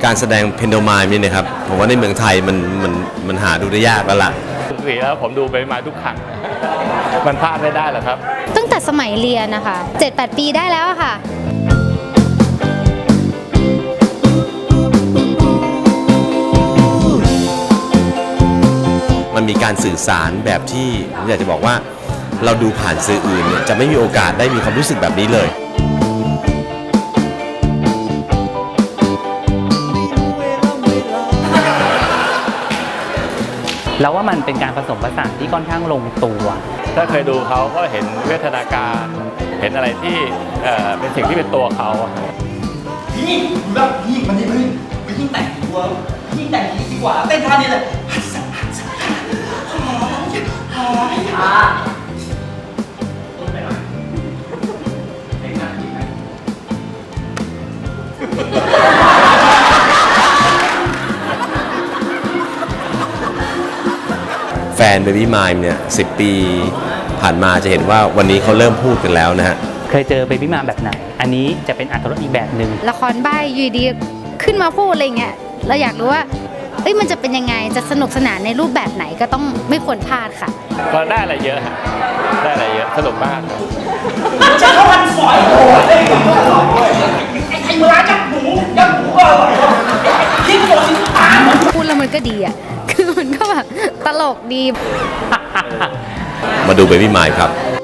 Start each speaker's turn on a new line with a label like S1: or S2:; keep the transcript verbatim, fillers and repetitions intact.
S1: การแสดงเพนโดมายนี่นะครับผมว่าในเมืองไทยมันมันมันหาดูได้ยากแล้วล่ะ
S2: ปกติแล้วผมดูไปมาทุกครั้งมันพลาดไม่ได้หรอกครับ
S3: ตั้งแต่สมัยเรียนนะคะ เจ็ดแปด ปีได้แล้วค่ะ
S1: มันมีการสื่อสารแบบที่ผมอยากจะบอกว่าเราดูผ่านสื่ออื่นเนี่ยจะไม่มีโอกาสได้มีความรู้สึกแบบนี้เลย
S4: แล้วว่ามันเป็นการผสมผสานที่ค่อนข้างลงตัว
S2: ถ้าเคยดูเขาก็เห็นเวทนาการเห็นอะไรที่เอ่อเป็นสิ่งที่เป็นตัวเขา
S5: พี่แบบพี่มันนี่พี่พี่ยิ่งแต่งตัวพี่ยิ่งแต่งดีกว่าเต้นท่านี้เลย
S1: แฟน Baby Mime เนี่ยสิบปีผ่านมาจะเห็นว่าวันนี้เขาเริ่มพูดกันแล้วนะฮะ
S4: เคยเจอเบบี้มาแบบไหนอันนี้จะเป็นอรรถรสอีกแบบหนึ่ง
S3: ละครใบ้อยู่ดีขึ้นมาพูดอะไรเงี้ยเราอยากรู้ว่าเอ้ยมันจะเป็นยังไงจะสนุกสนานในรูปแบบไหนก็ต้องไม่ควรพลาดค่ะ
S2: ก็ได้อะไรเยอะฮะได้อะไรเยอะสนุกมาก
S5: จะเข้ามันฝอยโอ้ยไอ้ไอ้เวลาจับหมูจับหมูก็อร่อยยิ่งโดนตา
S3: พูดแล้วมันก็ดีอ่ะคือมันก็แบบตลกดี
S1: มาดู Baby Mime ครับ